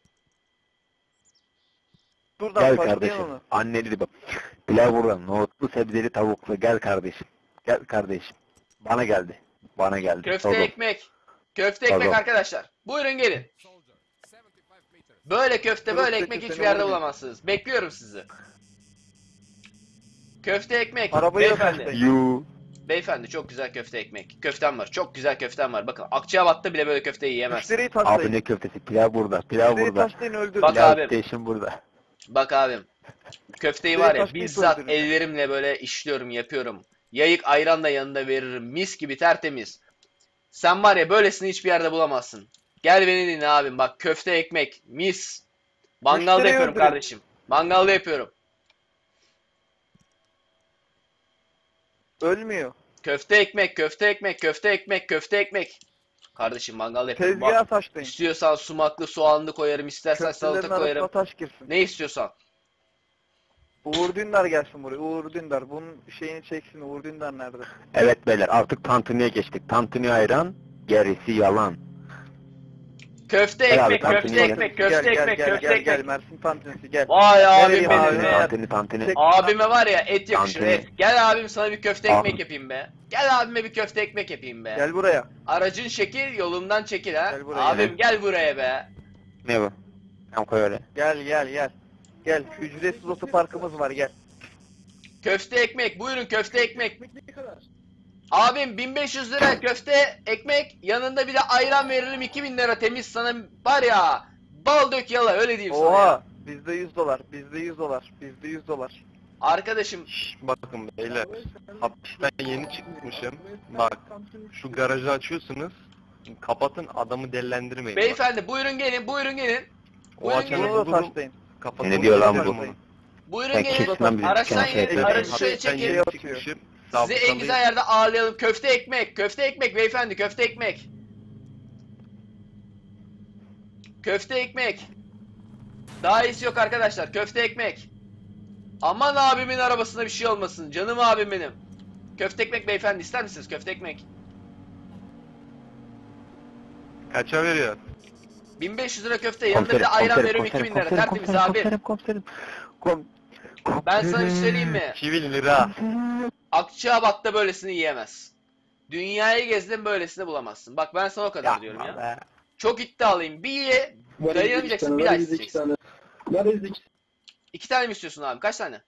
Speaker 1: Buradan
Speaker 3: Gel
Speaker 1: taşlayın
Speaker 3: kardeşim.
Speaker 1: onu.
Speaker 3: Anneli bak. Pilav buradan. Nohutlu, sebzeli, tavuklu. Gel kardeşim. Gel kardeşim. Bana geldi. Bana geldi.
Speaker 4: Köfte
Speaker 3: Sordum.
Speaker 4: ekmek. Köfte ekmek
Speaker 3: Pardon.
Speaker 4: arkadaşlar. Buyurun gelin. Böyle köfte böyle
Speaker 1: Köfte
Speaker 4: ekmek
Speaker 1: köfte
Speaker 4: hiçbir
Speaker 1: ne
Speaker 4: yerde
Speaker 1: oluyor?
Speaker 4: bulamazsınız. Bekliyorum sizi. Köfte ekmek.
Speaker 1: Arabayı da
Speaker 4: Beyefendi.
Speaker 1: taşlayın.
Speaker 3: Yu.
Speaker 4: Beyefendi çok güzel köfte ekmek. Köftem var. Çok güzel köftem var. Bakın Akçabat'ta bile böyle köfte yiyemez.
Speaker 1: Müşteriyi
Speaker 3: Abi
Speaker 1: taşlayın.
Speaker 3: ne köftesi? Pilav burada. Pilav
Speaker 1: Müşteriyi
Speaker 3: burada.
Speaker 1: taşlayın öldürün.
Speaker 4: Bak
Speaker 3: Pilav
Speaker 4: abim.
Speaker 3: station burada.
Speaker 4: Bak abim. Köfteyi
Speaker 1: Direkt
Speaker 4: var ya
Speaker 1: taşlayıp
Speaker 4: bizzat
Speaker 1: öldürün.
Speaker 4: ellerimle böyle işliyorum, yapıyorum. Yayık ayran da yanında veririm. Mis gibi tertemiz. Sen var ya böylesini hiçbir yerde bulamazsın. Gel beni dinle abim. Bak köfte ekmek. Mis. Mangalda
Speaker 1: Müşteriyi
Speaker 4: yapıyorum
Speaker 1: öldürün.
Speaker 4: kardeşim. Mangalda yapıyorum.
Speaker 1: Ölmüyor.
Speaker 4: Köfte ekmek, köfte ekmek, köfte ekmek, köfte ekmek. Kardeşim mangalda yapıyorum.
Speaker 1: Tezgaha
Speaker 4: Bak,
Speaker 1: taşlayın.
Speaker 4: istiyorsan sumaklı soğanlı koyarım, istersen
Speaker 1: Köftelerin
Speaker 4: salata
Speaker 1: arasına
Speaker 4: koyarım.
Speaker 1: taş girsin.
Speaker 4: Ne istiyorsan.
Speaker 1: Uğur Dündar gelsin buraya. Uğur Dündar. Bunun şeyini çeksin. Uğur Dündar nerede?
Speaker 3: Evet beyler artık tantuniye geçtik. Tantuni ayran, gerisi yalan.
Speaker 4: Köfte
Speaker 3: Gel abi,
Speaker 4: ekmek,
Speaker 3: tantuni
Speaker 4: köfte
Speaker 3: gel.
Speaker 4: ekmek,
Speaker 1: Gel
Speaker 4: köfte
Speaker 1: gel
Speaker 4: ekmek,
Speaker 1: gel
Speaker 4: köfte
Speaker 1: gel
Speaker 4: ekmek.
Speaker 1: gel Mersin tantunisi gel.
Speaker 4: Vay abim
Speaker 1: vereyim
Speaker 4: benim
Speaker 1: abi?
Speaker 4: be.
Speaker 3: Tantuni tantuni.
Speaker 1: Tek-
Speaker 4: Abime var ya et yakışır
Speaker 3: Tantuni.
Speaker 4: et. Gel abim sana bir köfte
Speaker 3: Al.
Speaker 4: ekmek yapayım be. Gel abime bir köfte ekmek yapayım be.
Speaker 1: Gel buraya.
Speaker 4: Aracın şekil yolumdan çekil ha.
Speaker 1: Gel buraya.
Speaker 4: Abim gel buraya be.
Speaker 3: Ne bu? Tamam koy öyle.
Speaker 1: Gel gel gel. Gel ücretsiz otoparkımız var gel.
Speaker 4: Köfte ekmek buyurun köfte ekmek. Abim bin beş yüz lira köfte ekmek yanında bir de ayran veririm iki bin lira temiz sana var ya. Bal dök yala öyle diyeyim sana ya.
Speaker 1: Oha bizde yüz dolar bizde yüz dolar bizde yüz dolar.
Speaker 4: Arkadaşım
Speaker 7: Bakın beyler, hapisten yeni çıkmışım. Bak, şu garajı açıyorsunuz. Kapatın, adamı dellendirmeyin. Bak,
Speaker 4: beyefendi buyurun gelin buyurun gelin.
Speaker 7: o
Speaker 4: buyurun
Speaker 7: açanı
Speaker 4: gelin.
Speaker 1: Bunu da
Speaker 7: bulun,
Speaker 1: taşlayın.
Speaker 7: kapatın.
Speaker 3: Ne diyor lan bu?
Speaker 7: Bunu.
Speaker 4: Buyurun
Speaker 3: Sen
Speaker 4: gelin.
Speaker 3: kesin lan bizi
Speaker 4: Araçtan
Speaker 3: dükkanı şey
Speaker 4: gelin.
Speaker 3: yapıyor.
Speaker 4: Aracı şöyle
Speaker 7: Hapisten
Speaker 4: çekin.
Speaker 7: yeni çıkmışım.
Speaker 4: Sizi en
Speaker 7: sabıkalıyım.
Speaker 4: güzel yerde ağırlayalım. Köfte ekmek. Köfte ekmek beyefendi. Köfte ekmek. Köfte ekmek. Daha iyisi yok arkadaşlar. Köfte ekmek. Aman abimin arabasına bir şey olmasın. Canım abim benim. Köfte ekmek beyefendi ister misiniz? Köfte ekmek.
Speaker 7: Kaça veriyor?
Speaker 4: bin beş yüz lira köfte. Yanında bir de ayran veriyorum iki bin lira. Tertemiz abi.
Speaker 3: Komiserim komiserim. Kom
Speaker 4: Ben sana bir şey söyleyeyim mi?
Speaker 7: iki bin lira.
Speaker 4: Akçaabat'ta böylesini yiyemez. Dünyayı gezdin böylesini bulamazsın. Bak ben sana o kadar diyorum ya.
Speaker 7: Yapma be.
Speaker 4: Çok iddialıyım. Bir ye. Dayanamayacaksın. Bir daha isteyeceksin. İki tane mi istiyorsun abi? Kaç tane?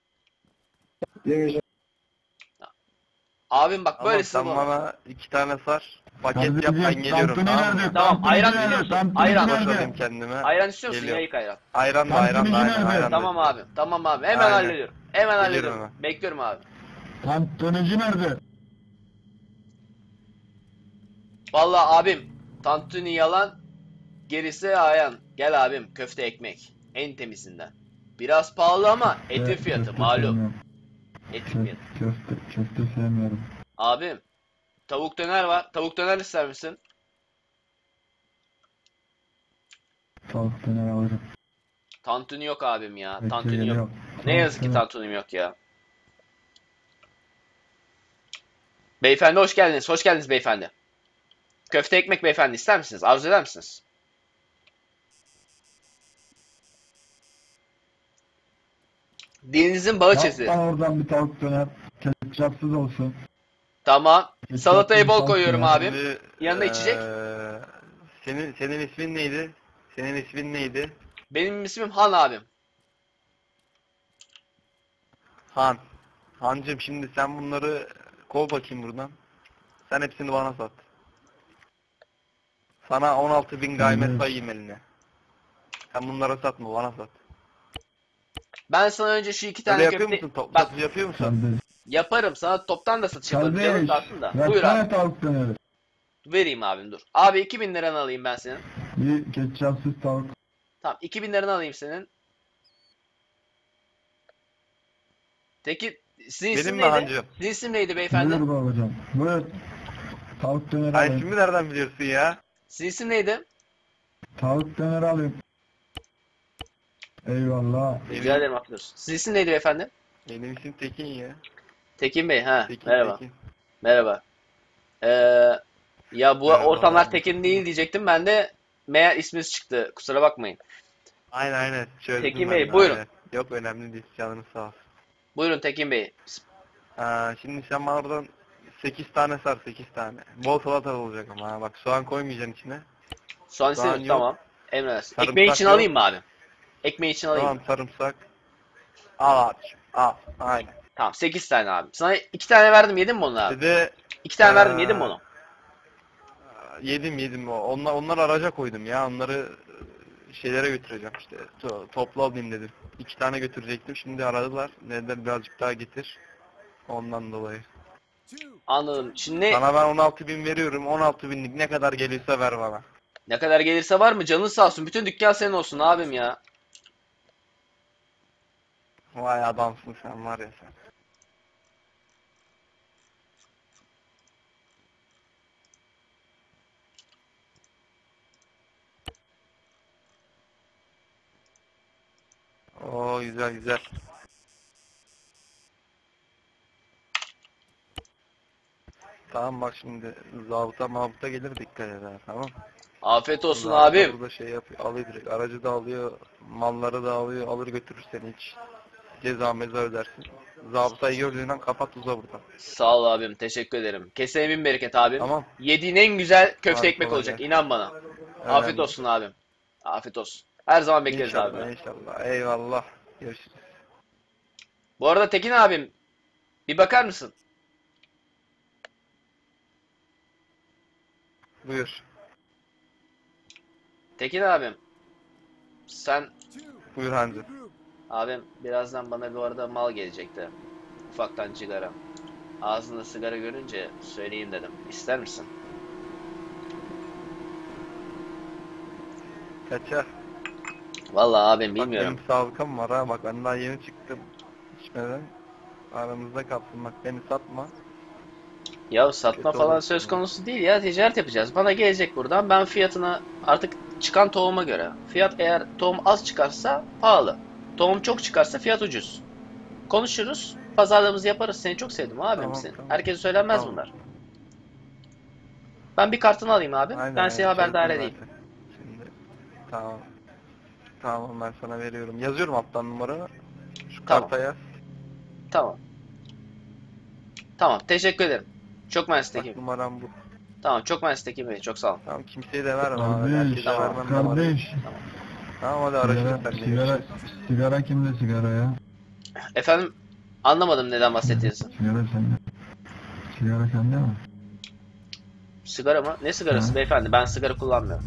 Speaker 4: Abim bak
Speaker 7: Ama
Speaker 4: böylesini
Speaker 7: sen
Speaker 4: bulamazsın.
Speaker 7: bana iki tane sar. Paket yap, ben geliyorum. Tamam mı?
Speaker 4: Tamam ayran biliyor musun? Ayran.
Speaker 7: Boşalayım kendime.
Speaker 4: Ayran istiyor musun?
Speaker 7: Geliyor.
Speaker 4: Yayık ayran.
Speaker 7: Ayran da ayran da ayran, ayran da.
Speaker 4: Tamam abi. Tamam abi. Hemen
Speaker 7: Aynen.
Speaker 4: hallediyorum. Hemen
Speaker 7: Geliyorum
Speaker 4: hallediyorum.
Speaker 7: hemen.
Speaker 4: Bekliyorum abi.
Speaker 5: Tantunici nerede?
Speaker 4: Vallahi abim. Tantuni yalan. Gerisi ayan. Gel abim. Köfte ekmek. En temizinden. Biraz pahalı ama etin fiyatı malum. Etin fiyatı.
Speaker 5: Köfte, köfte sevmiyorum.
Speaker 4: Abim. Tavuk döner var. Tavuk döner ister misin?
Speaker 5: Tavuk döner alırım.
Speaker 4: Tantuni yok abim ya.
Speaker 5: Bekle,
Speaker 4: Tantuni yok.
Speaker 5: geliyorum.
Speaker 4: Ne yazık ki
Speaker 5: Tavuk döner.
Speaker 4: tantunim yok ya. Beyefendi hoş geldiniz. Hoş geldiniz beyefendi. Köfte ekmek beyefendi ister misiniz? Arzu eder misiniz? Dilinizin bağı
Speaker 5: Yap
Speaker 4: çizi.
Speaker 5: bana oradan bir tavuk döner. Ketçapsız olsun.
Speaker 4: Tamam.
Speaker 5: Ketçapsız
Speaker 4: Salatayı bol
Speaker 5: tavuk
Speaker 4: koyuyorum
Speaker 5: döner.
Speaker 4: abim.
Speaker 7: Şimdi,
Speaker 4: Yanında içecek?
Speaker 7: eee, senin senin ismin neydi? Senin ismin neydi?
Speaker 4: Benim ismim Han abim.
Speaker 7: Han. Hancım şimdi sen bunları kov bakayım buradan. Sen hepsini bana sat. Sana on altı bin gaymet
Speaker 5: Evet.
Speaker 7: sayayım eline. Sen bunlara satma, bana sat.
Speaker 4: Ben sana önce şu iki
Speaker 7: Öyle
Speaker 4: tane
Speaker 7: yapıyor
Speaker 4: köfte...
Speaker 7: musun? Top,
Speaker 4: Bak
Speaker 7: satış yapıyor musun?
Speaker 5: Kardeş.
Speaker 4: yaparım. Sana toptan da satış yaparım. Canım
Speaker 5: Kardeş.
Speaker 4: tatlım da. Buyur
Speaker 5: Versene
Speaker 4: abi.
Speaker 5: tavuk döneri.
Speaker 4: Vereyim abim dur. Abi iki bin liranı alayım ben senin.
Speaker 5: Bir ketçapsız tavuk.
Speaker 4: Tamam iki bin liranı alayım senin. Peki sizin
Speaker 7: Benim
Speaker 4: isim
Speaker 7: mi
Speaker 4: neydi?
Speaker 7: hancım?
Speaker 4: Sizin isim neydi beyefendi?
Speaker 5: Buyur babacığım. Buyur. Tavuk döneri
Speaker 7: Ay
Speaker 5: alayım.
Speaker 7: şimdi nereden biliyorsun ya?
Speaker 4: Sizin isim neydi?
Speaker 5: Tavuk döneri alayım. Eyvallah.
Speaker 4: Rica ederim affedersin. Sizin isim neydi beyefendi?
Speaker 7: Benim isim Tekin ya.
Speaker 4: Tekin Bey ha.
Speaker 7: Tekin,
Speaker 4: Merhaba.
Speaker 7: Tekin.
Speaker 4: Merhaba. Ee, ya bu
Speaker 7: Merhaba.
Speaker 4: ortamlar Tekin değil diyecektim. Ben de meğer isminiz çıktı. Kusura bakmayın.
Speaker 7: Aynen aynen. Çözdüm
Speaker 4: Tekin
Speaker 7: ben
Speaker 4: Bey,
Speaker 7: de,
Speaker 4: buyurun.
Speaker 7: aynen. Yok önemli değil. Canınız sağ olsun.
Speaker 4: Buyurun Tekin Bey.
Speaker 7: Ha, şimdi sen bana oradan sekiz tane sar, sekiz tane. Bol salata olacak ama ha. Bak soğan koymayacaksın içine.
Speaker 4: Soğan
Speaker 7: Soğan
Speaker 4: istedim
Speaker 7: yok.
Speaker 4: tamam. Emredersin.
Speaker 7: Sarımsak
Speaker 4: Ekmeği için
Speaker 7: yok.
Speaker 4: alayım mı abi? Ekmeği için alayım
Speaker 7: Tamam
Speaker 4: mı?
Speaker 7: sarımsak. Al abi. Al. Aynen.
Speaker 4: Tamam sekiz tane abi. Sana iki tane verdim yedin mi onu abi?
Speaker 7: Bir de
Speaker 4: iki tane verdim
Speaker 7: Ee,
Speaker 4: yedin mi onu?
Speaker 7: yedim yedim. Onlar, onlar araca koydum ya. Onları e, şeylere götüreceğim işte. To toplu alayım dedim. İki tane götürecektim. Şimdi aradılar. Dediler birazcık daha getir. Ondan dolayı.
Speaker 4: Anladım. Şimdi
Speaker 7: Sana ben on altı bin veriyorum. on altı binlik ne kadar geliyorsa ver bana.
Speaker 4: ne kadar gelirse var mı? Canın sağ olsun. Bütün dükkan senin olsun abim ya.
Speaker 7: Vay adamsın sen var ya sen. Oo güzel güzel. Tamam bak şimdi zabıta mabıta gelir dikkat eder tamam.
Speaker 4: Afiyet olsun
Speaker 7: Zabıta
Speaker 4: abim.
Speaker 7: Burada şey yapıyor, alıyor direkt. Aracı da alıyor, malları da alıyor, alır götürür seni hiç. Ceza meza ödersin. Zabıtayı gördüğünden kapat uza buradan.
Speaker 4: Sağ ol abim. Teşekkür ederim. Kesene bin bereket abim.
Speaker 7: Tamam.
Speaker 4: Yediğin en güzel köfte
Speaker 7: Hadi
Speaker 4: ekmek
Speaker 7: kolay
Speaker 4: olacak.
Speaker 7: gelsin.
Speaker 4: İnan bana.
Speaker 7: Önemli.
Speaker 4: Afiyet olsun abim. Afiyet olsun. Her zaman bekleriz
Speaker 7: İnşallah,
Speaker 4: abim.
Speaker 7: inşallah. Eyvallah. Görüşürüz.
Speaker 4: Bu arada Tekin abim, bir bakar mısın?
Speaker 7: Buyur.
Speaker 4: Tekin abim, sen
Speaker 7: Buyur Hancı.
Speaker 4: abim birazdan bana bu arada mal gelecekti. Ufaktan sigara. Ağzında sigara görünce söyleyeyim dedim. İster misin?
Speaker 7: Kaça?
Speaker 4: Vallahi abim
Speaker 7: Bak
Speaker 4: bilmiyorum.
Speaker 7: benim sabıkam var ha. Bak ben daha yeni çıktım. İçmeden. Aramızda kalsın bak beni satma.
Speaker 4: Ya satma
Speaker 7: Kötü
Speaker 4: falan
Speaker 7: olur
Speaker 4: söz
Speaker 7: sonra.
Speaker 4: konusu değil ya, ticaret yapacağız. Bana gelecek buradan, ben fiyatına artık çıkan tohuma göre. Fiyat eğer tohum az çıkarsa pahalı. Tohum çok çıkarsa fiyat ucuz. Konuşuruz, pazarlığımızı yaparız. Seni çok sevdim abim
Speaker 7: Tamam,
Speaker 4: senin.
Speaker 7: tamam.
Speaker 4: Herkese söylenmez
Speaker 7: Tamam.
Speaker 4: bunlar. Ben bir kartını alayım abi.
Speaker 7: Aynen,
Speaker 4: ben seni
Speaker 7: aynen,
Speaker 4: haberdar
Speaker 7: şey
Speaker 4: edeyim.
Speaker 7: zaten. Şimdi tamam. Tamam ben sana veriyorum. Yazıyorum alttan numaranı. Şu
Speaker 4: Tamam.
Speaker 7: karta yaz.
Speaker 4: Tamam. Tamam, teşekkür ederim. Çok mersi
Speaker 7: Bak
Speaker 4: Tekin.
Speaker 7: numaram bu.
Speaker 4: Tamam, çok mersi Tekin Bey. Çok sağ ol.
Speaker 7: Tamam kimseye de verme abi.
Speaker 5: Kardeş,
Speaker 7: Herkese
Speaker 4: Tamam.
Speaker 7: vermem numaranı.
Speaker 5: kardeş.
Speaker 7: Tamam hadi araştır
Speaker 5: Sigara,
Speaker 7: sen de.
Speaker 5: sigara,
Speaker 7: görüşürüz.
Speaker 5: sigara kimde sigara ya?
Speaker 4: Efendim, anlamadım neden bahsettiğinizi.
Speaker 5: Sigara sende. Sigara sende mi?
Speaker 4: Sigara mı? Ne sigarası
Speaker 5: Hı.
Speaker 4: beyefendi? Ben sigara kullanmıyorum.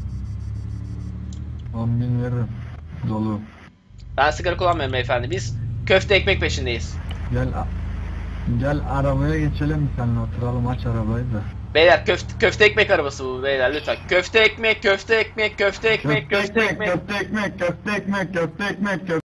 Speaker 5: on bin veririm. Dolu.
Speaker 4: Ben sigara kullanmıyorum beyefendi. Biz köfte ekmek peşindeyiz.
Speaker 5: Gel a- gel arabaya geçelim seninle oturalım aç arabayı da.
Speaker 4: Beyler köfte, köfte ekmek arabası bu beyler lütfen. Köfte ekmek, köfte ekmek, köfte ekmek, köfte ekmek.
Speaker 5: köfte ekmek, köfte ekmek, köfte ekmek, köfte ekmek, köfte